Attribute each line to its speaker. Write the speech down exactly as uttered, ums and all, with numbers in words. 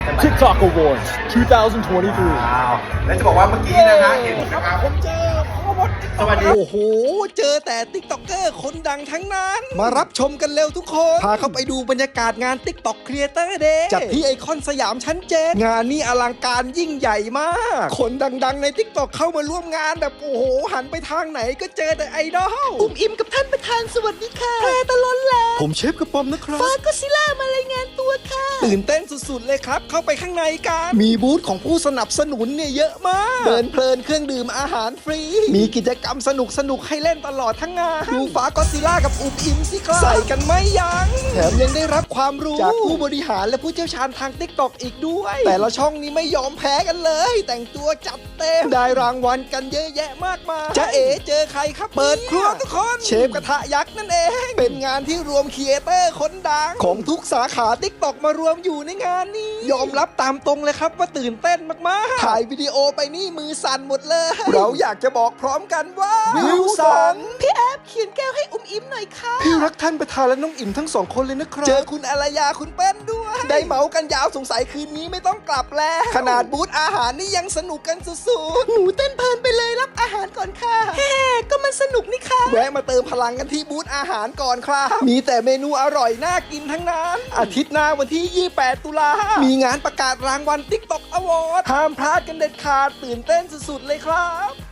Speaker 1: TikTok Awards สองพันยี่สิบสาม
Speaker 2: ว้าวแล้วจะบอกว่าเมื่อกี้นะฮะเห็นนะครับ
Speaker 1: ผมเจอพ่อมด
Speaker 2: สวัสดี
Speaker 3: โอ้โห เจอแต่ติ๊กต็อกเกอร์คนดังทั้งนั้น มารับชมกันเร็วทุกคน พาเข้าไปดูบรรยากาศงาน TikTok Creator Day จัดที่ไอคอนสยามชั้นเจ็ดงานนี้อลังการยิ่งใหญ่มาก คนดังๆใน TikTok เข้ามาร่วมงานแบบโอ้โห หันไปทางไหนก็เจอแต่ไอดอลอุ้มอิมกับท่านประธานสวัสดีค่ะแพรตะล้นแล้ว ผมเชฟกระป๋อมนะครับฟ้าก็ซิล่ามารายงานตัวค่ะ ตื่นเต้นสุดๆเลยครับ เข้าไปข้างในกันมีบูธของผู้สนับสนุนเนี่ยเยอะมาก เดินเพลินเครื่องดื่มอาหารฟรี มีกิจกรรมสนุกสนุกๆให้เล่นตลอดทั้งงาน ดูฟ้าก็ซิล่ากับอุบอิมสิครับ ใส่กันไม่ยัง้งแถมยังได้รับความรู้ จากผู้บริหารและผู้เชี่ยวชาญทาง TikTok อีกด้วย แต่ละช่องนี้ไม่ยอมแพ้กันเลย แต่งตัวจัดเต็ม ได้รางวัลกันเยอะแยะมากมายจะเอ๋เจอใครครับ เปิดครัวทุกคน เชฟกระทะยักษ์นั่นเอง เป็นงานที่รวมครีเอเตอร์คนดัง ของทุกสาขา TikTok มารวมอยู่ในงานนี้ ยอมรับตามตรงเลยครับว่าตื่นเต้นมากๆ ถ่ายวิดีโอไปนี่มือสั่นหมดเลย เราอยากจะบอกพร้อมกันว่าวิวสันพี่แอฟเขียนแก้วให้อุ้มอิมหน่อยค่ะพี่รักท่านประธานและน้องอิมทั้งสองคนเลยนะครับ เจอคุณอารยาคุณเปิ้ลด้วย ได้เมากันยาวสงสัยคืนนี้ไม่ต้องกลับแล้ว ขนาดบูธอาหารนี่ยังสนุกกันสุดๆหนูเต้นเพลินไปเลยรับอาหารก่อนค่ะเฮ้ก็มันสนุกนี่ค่ะแวะมาเติมพลังกันที่บูธอาหารก่อนครับมีแต่เมนูอร่อยน่ากินทั้งนั้นอาทิตย์หน้าวันที่ยี่สิบแปดตุลามีงานประกาศรางวัล TikTok Award ห้ามพลาดกันเด็ดขาดตื่นเต้นสุดๆเลยครับ